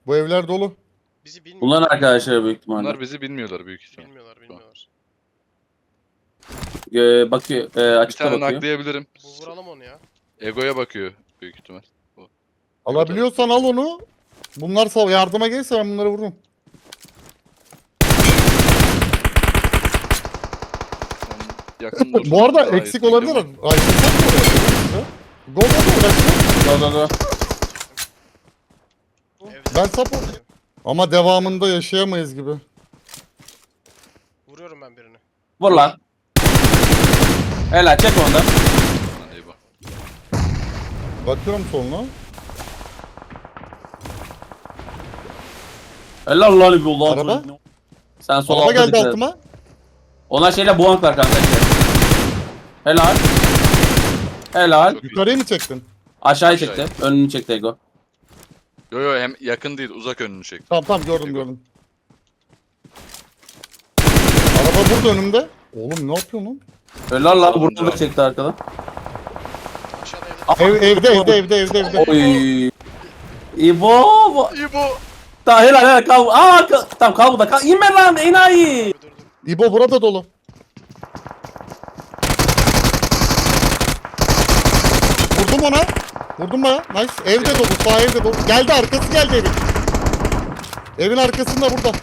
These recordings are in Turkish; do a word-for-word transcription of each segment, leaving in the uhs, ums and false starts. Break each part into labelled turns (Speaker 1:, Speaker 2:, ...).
Speaker 1: Bu evler dolu.
Speaker 2: Bizi bilmiyor.
Speaker 3: Bunların arkadaşları büyük ihtimalle.
Speaker 4: Bunlar bizi bilmiyorlar büyük ihtimal.
Speaker 2: Bilmiyorlar, bilmiyorlar.
Speaker 3: Ee, bakıyor, e,
Speaker 4: Bir
Speaker 3: açıkta
Speaker 4: tane
Speaker 3: bakıyor.
Speaker 4: naklayabilirim.
Speaker 2: Bu vuralım onu ya.
Speaker 4: Ego'ya bakıyor büyük ihtimal.
Speaker 1: Alabiliyorsan al onu. Bunlar sağ yardıma gelirse ben bunları vururum.
Speaker 4: Yakın dur.
Speaker 1: Bu arada
Speaker 4: Daha
Speaker 1: eksik
Speaker 4: yakın
Speaker 1: olabilir.
Speaker 4: ama.
Speaker 1: Ayrılsak mı oraya? Go go go.
Speaker 3: Go go go.
Speaker 2: Evde.
Speaker 1: Ben support. Ama devamında yaşayamayız gibi.
Speaker 2: Vuruyorum ben birini.
Speaker 3: Vur lan. Helal çek ondan.
Speaker 4: Lan eyvah.
Speaker 1: Bakıyorum soluna.
Speaker 3: Helal lan bir Allah.
Speaker 1: Araba?
Speaker 3: Sen sol
Speaker 1: Araba
Speaker 3: altta
Speaker 1: geldi
Speaker 3: dikkat et.
Speaker 1: altıma.
Speaker 3: Ona şeyle buank var kanka. Helal. Helal.
Speaker 4: Çok iyi.
Speaker 1: Yukarıya mı çektin?
Speaker 3: Aşağıya
Speaker 4: Aşağıya.
Speaker 3: çekti. Önünü çekti Ego.
Speaker 4: Yo yo hem yakın değil uzak önünü çek.
Speaker 1: Tamam tamam gördüm gördüm. Araba burada önümde. Oğlum ne yapıyorsun lan?
Speaker 3: Helal lan.
Speaker 4: Oğlum
Speaker 3: Burada da
Speaker 4: ya.
Speaker 3: çekti arkadan.
Speaker 2: Aşağıda evde.
Speaker 1: Ev, evde evde evde evde evde.
Speaker 3: Oy. İbo.
Speaker 4: İbo.
Speaker 3: Tamam helal helal kal. Aa kal. Tamam kal burada. Kal. İnme lan enayi.
Speaker 2: Dur dur dur.
Speaker 1: İbo burada dolu. Vurdum ona. Vurdum bana. Nice. Evde dolu. Sağ evde dolu. Geldi arkası geldi evin. Evin arkasında burada.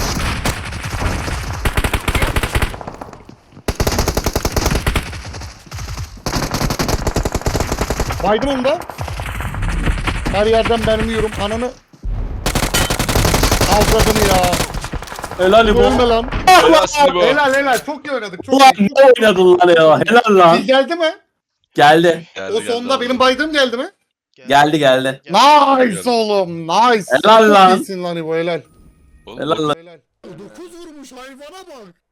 Speaker 1: Baydım onu da. Her yerden mermi yiyorum. Ananı. Avradını ya.
Speaker 3: Helal İbo.
Speaker 1: Ölme lan.
Speaker 4: Helalsin İbo.
Speaker 1: Helal helal. Çok iyi oynadık. Çok
Speaker 3: Ulan
Speaker 1: iyi.
Speaker 3: ne oynadın lan ya? Helal lan.
Speaker 1: Kill geldi mi?
Speaker 3: Geldi.
Speaker 4: Geldi,
Speaker 1: O
Speaker 4: geldi
Speaker 1: sonda
Speaker 4: abi.
Speaker 1: benim baydığım geldi mi?
Speaker 3: Geldi geldi.
Speaker 1: Nice oğlum. Nice.
Speaker 3: Helal
Speaker 1: Çok
Speaker 3: lan.
Speaker 1: iyisin lan İbo helal.
Speaker 4: Oğlum,
Speaker 3: Helal lan.
Speaker 1: Helal. dokuz vurmuş hayvana bak.